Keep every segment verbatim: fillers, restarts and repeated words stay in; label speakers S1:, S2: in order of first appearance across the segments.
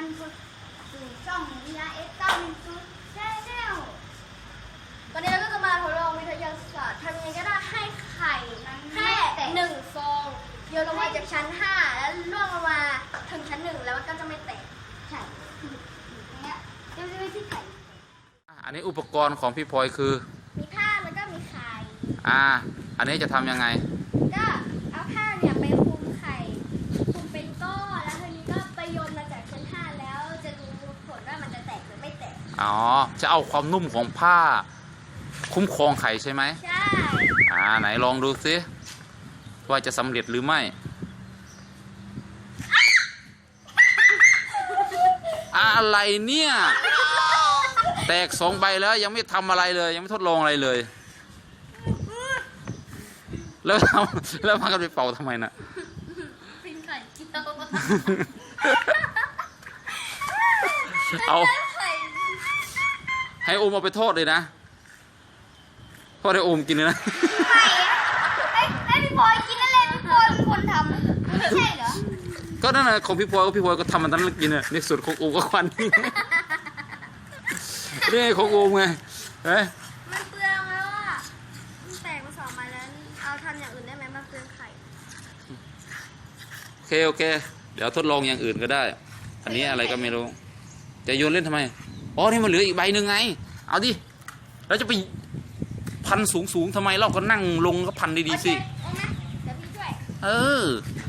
S1: สู่ช่องวิยาเอสเก้าหนึ่งศูนย์แชนแนลวันนี้เราก็จะมาทดลองวิทยาศาสตร์ทำยังไงก็ได้ให้ไข่แค่หนึ่งฟองโยนลงมาจากชั้นห้าแล้วล่วงลงมาถึงชั้นหนึ่งแล้วมันก็จะไม่แตกใช่อย่างเงี้ยจะไม่ที่ไข่
S2: อันนี้อุปกรณ์ของพี่พลอยคือ
S1: มีผ้าแล้วก็มีไข่
S2: อ่าอันนี้จะทำยังไง
S1: ก็เอาผ้าเนี่ยไปคลุมไข่คลุมเป็นก้อนแล้วทีนี้ก็ไปโยนมาจากชั้นห้าแล้วจะดูผลว่ามันจะแตกหรือไม่แตก
S2: อ๋อจะเอาความนุ่มของผ้าคุ้มครองไข่ใช่ไหม
S1: ใช่
S2: อ่าไหนลองดูซิว่าจะสำเร็จหรือไม่อะไรเนี่ยแตกสองใบแล้วยังไม่ทำอะไรเลยยังไม่ทดลองอะไรเลยแล้วทำแล้วพากันไปเป่าทำไมน่ะ
S1: เป็นไข่เจียว
S2: เอาให้โอมเอาไปทอดเลยนะทอดให้โอมกินเลยนะ
S1: ไม่ไอ้ไอ้พี่พลอยกินอะไรพี่พลอยเป็นคนทำไม่ใช่เหรอ
S2: ก็นั่นแหละของพี่พลอยก็พี่พลอยก็ทำมันตั้งแต่กินอ่ะในส่วนของโอมก็ควันนี่นี่ของโอมไงเฮ้ย
S1: มันเปลืองแล้วอ่ะมันแตกมาสองมาแล้วเอาทำอย่างอื่นได้ไหมมันเปลืองไข่
S2: โอเคโอเคเดี๋ยวทดลองอย่างอื่นก็ได้อันนี้อะไรก็ไม่รู้จะโยนเล่นทำไมอ๋อนี่มันเหลืออีกใบหนึ่งไงเอาดิแล้วจะไปพันสูงสูงทำไมเราก็นั่งลงก็พันดีๆสิเออ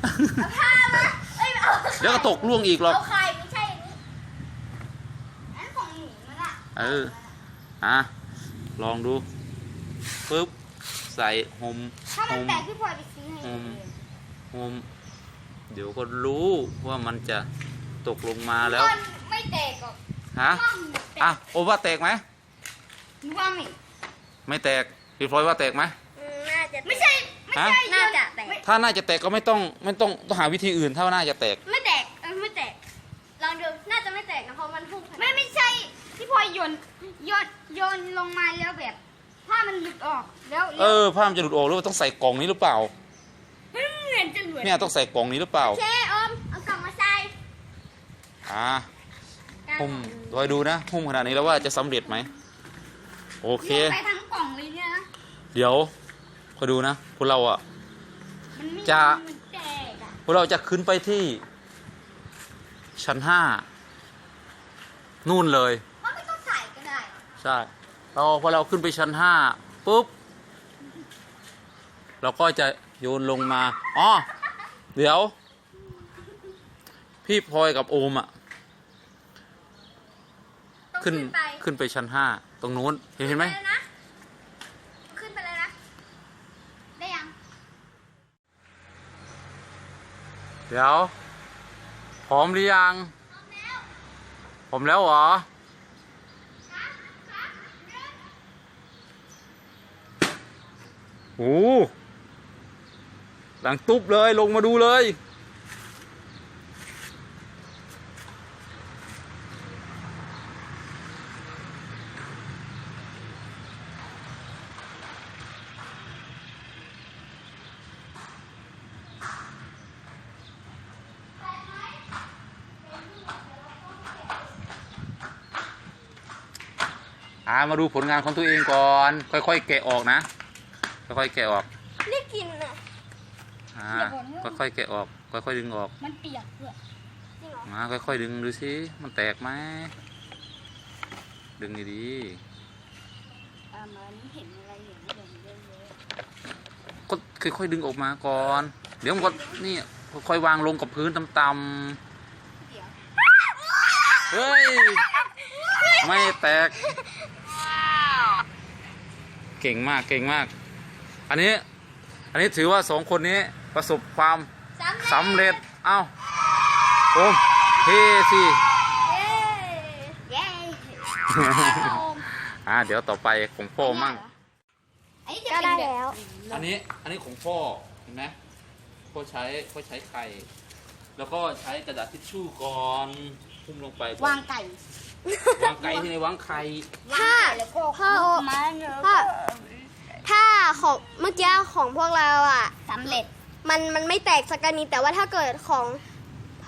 S2: เดี๋ยวก็ตกล่วงอีกหรอก
S1: เอาไข่ไม่ใช่นี้อันของหนูมันอะ
S2: เอออ่ะลองดูปึ๊บใส่หม
S1: ถ้ามันแตกพี่พลอยไปซื้อให้
S2: หมหมเดี๋ยวก็รู้ว่ามันจะตกลงมาแล้ว
S1: ไม่แตกหรอก
S2: ฮะอ่ะโอว่าแตกไหม
S1: ว่าไม่
S2: ไม่แตกพี่พลอยว่าแตกไหม
S1: น่าจะไม่ใช่ไม่ใช่น่าจะแตก
S2: ถ้าน่าจะแตกก็ไม่ต้องไม่ต้องต้องหาวิธีอื่นถ้าน่าจะแตก
S1: ไม่แตกเออไม่แตกลองดูน่าจะไม่แตกนะเพราะมันพุ่งไม่ไม่ใช่พี่พลอยโยนโยนโยนลงมาแล้วแบบผ้ามันหลุดออกแล้ว
S2: เออผ้ามันจะหลุดออกหรือว่าต้องใส่กล่องนี้หรือเปล่า
S1: เหมือนจะหลุด
S2: เนี่ยต้องใส่กล่องนี้หรือเปล่า
S1: เชอมเอากล่องมาใส่
S2: อ่าหุ้มคอยดูนะหุ้มขนาดนี้แล้วว่าจะสำเร็จไหมโอเค
S1: ไปทั้งกล่องเลยเนี่ยนะ
S2: เดี๋ยวคอยดูนะพวกเราอ่ะจะพวกเราจะขึ้นไปที่ชั้นห้านู่นเลย
S1: มันไม่ต้องใส่ก็ได้
S2: ใช่เราพอเราขึ้นไปชั้นห้าปุ๊บเราก็จะโยนลงมาอ๋อเดี๋ยวพี่พลอยกับโอมอ่ะขึ้นขึ้นไปชั้นห้าตรงนู้นเห็นเห็นไหม
S1: ขึ้นไปเลยนะได้ยัง
S2: เดี๋ยวพร้อมหรือยังพร้อมแล้วเหรอโอ้หลังตุ๊บเลยลงมาดูเลยอ่ามาดูผลงานของตัวเองก่อนค่อยๆแกะออกนะค่อยๆแกะออก
S1: ได้กินอ่ะ
S2: อ่าค่อยๆแกะออกค่อยๆดึงออก
S1: มันเปียกด้วย
S2: มาค่อยๆดึงดูสิมันแตกไหมดึงดี
S1: ๆอ่ามันเห็นอะไรเห็นอะไรเยอะ
S2: ๆก็ค่อยๆดึงออกมาก่อนเดี๋ยวมันก็นี่ค่อยๆวางลงกับพื้นต่ำๆเฮ้ยไม่แตกเก่งมากเก่งมากอันนี้อันนี้ถือว่าสองคนนี้ประสบความสำเร็จเอ้าโอ้เฮ้สิอ่าเดี๋ยวต่อไปของพ่อมั่ง
S1: ก็ได้แล้ว
S2: อันนี้อันนี้ของพ่อเห็นไหมพ่อใช้พ่อใช้ไข่แล้วก็ใช้กระดาษทิชชู่ก่อนพุ่มลงไป
S1: วางไก่
S2: วางไก่ที่ในวางไข่
S1: ถ้าพ่อพ่อถ้าของเมื่อกี้ของพวกเราอ่ะสำเร็จมันมันไม่แตกสักนิดแต่ว่าถ้าเกิดของพ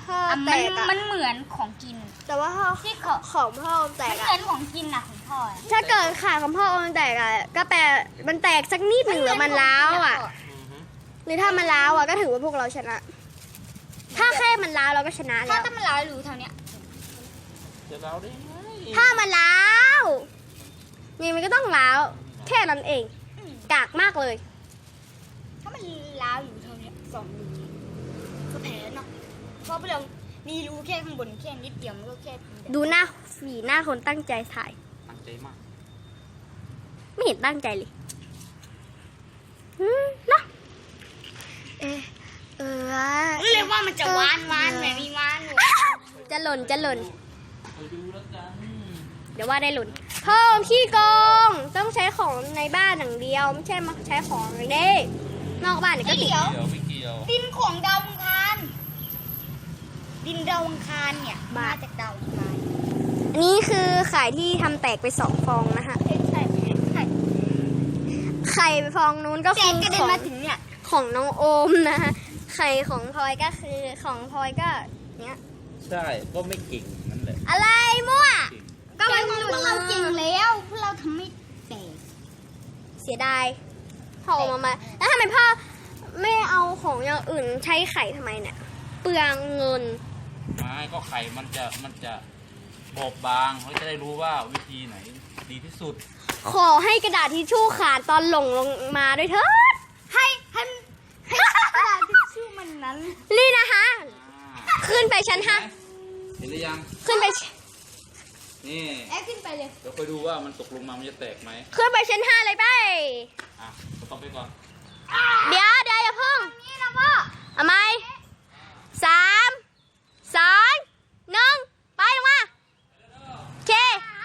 S1: พ่อ
S3: อ่ะ
S1: แต
S3: มัน
S1: กอะ
S3: มันเหมือนของกิน
S1: แต่ว่าพ่อ
S3: ที่ของ
S1: ของพ่อแต
S3: มัน
S1: ก
S3: เห
S1: อะ
S3: มือนของกินนะของพ่ออะ
S1: ถ้าเกิดขาของพ่อมันแตกอะก็แปลมันแตกสักนิดหนึ่งหรือมันร้าวอะหรือถ้ามันร้าวอะก็ถือว่าพวกเราชนะ ถ้าแค่มันร้าวเราก็ชนะ
S3: ถ้า
S1: แล้ว
S3: ถ้ามันร้าวรู้เท่าเนี้ย
S2: จะเราได้ไง
S1: ถ้ามันร้าวนี่มันก็ต้องร้าวแค่นั้นเอง
S3: อืม
S1: กากมากเลย
S3: ถ้ามันร้าวอยู่เท่าเนี้ยสองรูก็แพ้เนาะเพราะเรามีรูแค่ข้างบนแค่นิดเดียวมันก็แค่
S1: ดูหน้าสีหน้าคนตั้งใจถ่าย
S2: ตั้งใจมาก
S1: ไม่เห็นตั้งใจเลยอืมเนอะเออเออ
S3: เรียกว่ามันจะหวานหวานไหมมีหวานอยู่
S1: จะหล่นจะหล่น
S2: ไปดูแล้วกัน
S1: เดี๋ยวว่าได้หล่นเพิ่มขี้โกงต้องใช้ของในบ้านอย่างเดียว ไม่ใช่มาใช้ของในเด้นอกบ้านเนี่ยก็ติด
S3: เดี๋ยว
S2: เกี่ยวไม่เกี่ยว
S3: ดินของดาวอังคารดินดาวอังคารเนี่ยมาจากดาวอังคาร
S1: อันนี้คือไข่ที่ทำแตกไปสองฟองนะคะ
S3: ใช่ใช่ใช่
S1: ไข่ฟองนู้นก็
S3: แส
S1: คื
S3: ง
S1: อก
S3: ระเด็
S1: ข
S3: น
S1: อง
S3: มาถึงเนี่ย
S1: ของน้องโอมนะคะไข่ของพลอยก็คือของพลอยก็เนี้ย
S2: ใช่ก็ไม่เก่งนั่นแหละ
S1: อะไรมั่ว
S3: ก็มันพวกเราจริงแล้วพวกเราทำไม่แตก
S1: เสียดายพ่อเอามามาแล้วทำไมพ่อไม่เอาของอย่างอื่นใช้ไข่ทำไมเนี่ยเปลืองเงิน
S2: ไม่ก็ไข่มันจะมันจะบอบบางเขาจะได้รู้ว่าวิธีไหนดีที่สุด
S1: ขอให้กระดาษทิชชู่ขาดตอนหล่งลงมาด้วยเถิด
S3: ให้ให้ให้กระดาษทิชชู่มันนั้น
S1: นี่นะคะ
S2: อ่า
S1: ขึ้นไปชั้นห้า
S2: เห็นหรือยัง
S1: ขึ้นไป
S2: นี่
S3: แอคขึ้นไปเลย
S2: เดี๋ยวคอยดูว่ามันตกลงมามันจะแตกไหม
S1: ขึ้นไปชั้นห้าเลยไป
S2: อ่ะก็ต้องไปก่อน
S1: เดี๋ยวเดี๋ยวอย่าเพิ่ง
S3: นี่นะพ่อ
S1: เอาไหมสามสองหนึ่งไปลงมาโอเค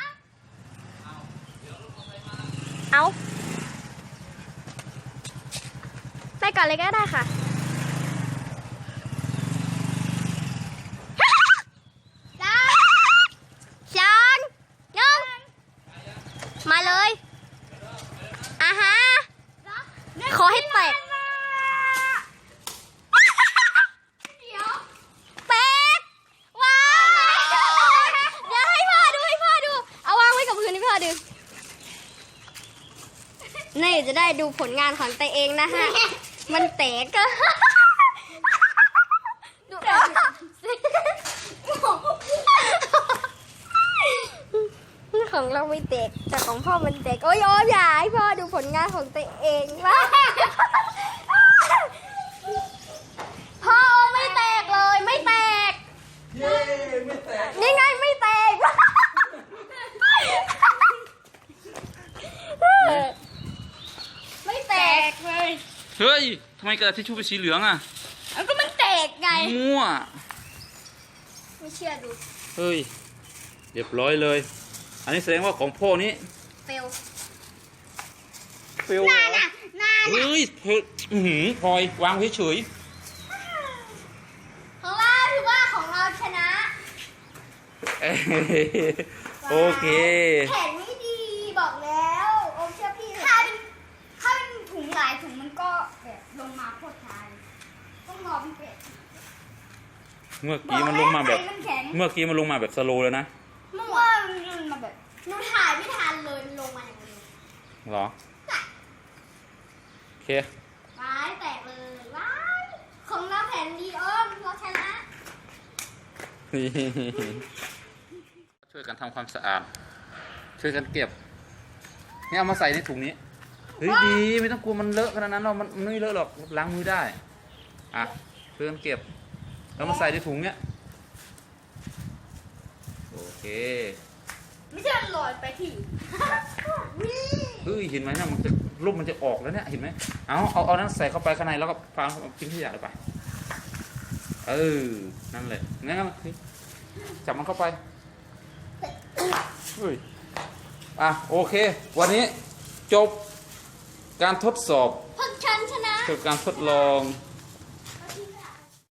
S1: เอาไปก่อนเลยก็ได้ค่ะสามสองหนึ่งมาเลยอ่ะฮะขอให้แตก แตกว้าวเดี๋ยวให้พ่อดูให้พ่อดู เอาวางไว้กับพื้นให้พ่อดู นี่จะได้ดูผลงานของตัวเองนะฮะ มันแตกก็ของเราไม่แตกแต่ของพ่อมันแตก โอ้ยโอ้ยอย่าให้พ่อดูผลงานของตัวเองว่าพ่อไม่แตกเลยไม่แตก
S2: เย้ไม่แตก
S1: นี่ไงไม่แตก ไม่แตกเลย
S2: เฮ้ยทำไมกระดาษทิชชู่เป็นสีเหลืองอ่ะ
S3: แล้วก็มันแตกไง
S2: มั่ว
S1: ไม่เชื่อดู
S2: เฮ้ยเรียบร้อยเลย อันนี้แสดงว่าของพ่อนี้
S1: เฟล
S2: เฟลเหรอเฮ้ยเฮ้ยอื้อหือพลอยวางเฉย
S1: ของเราถือว่าของเราชนะ
S2: ๆเอ้ยโอเค
S1: แข็งไม่ดีบอกแล้วโอมเชื่อพี่
S3: ถ้าเป็นถ้าเป็นถุงหลายถุงมันก็แบบลงมาโคตรช้าเลยต้องรอมันเก็บ
S2: เมื่อกี้มันลงมาแบบ
S3: มันแข็ง
S2: เมื่อกี้มันลงมาแบบสโลว์เลยนะ
S3: เมื่อว่ามันลงมาแบบ
S1: หนูถ่ายไม่ทันเลยมันลงมาอย่างนี้
S2: เหรอ โอเค
S1: ว้ายแตกเลยว้ายของเราแผ่นดีโอมเราชนะ
S2: ช่วยกันทำความสะอาด ช่วยกันเก็บ นี่เอามาใส่ในถุงนี้ เฮ้ยดีไม่ต้องกลัวมันเลอะขนาดนั้นหรอกมันมันไม่เลอะหรอกล้างมือได้ อ่ะช่วยกันเก็บ แล้วมาใส่ในถุงเนี้ย โอเค
S1: ไม่ใช่ลอยไปที่
S2: เฮ้ยเห็นไหมเนี่ยมันจะรูปมันจะออกแล้วเนี่ยเห็นไหมเอาเอาเอานั้นใส่เข้าไปข้างในแล้วก็ฟังทิ้งขยะเลยไปเออนั่นแหละงั้นก็จับมันเข้าไปเฮ้ยอ่ะโอเค วันนี้จบการทดสอบ
S1: พวกฉันชนะ
S2: จบการทดลอง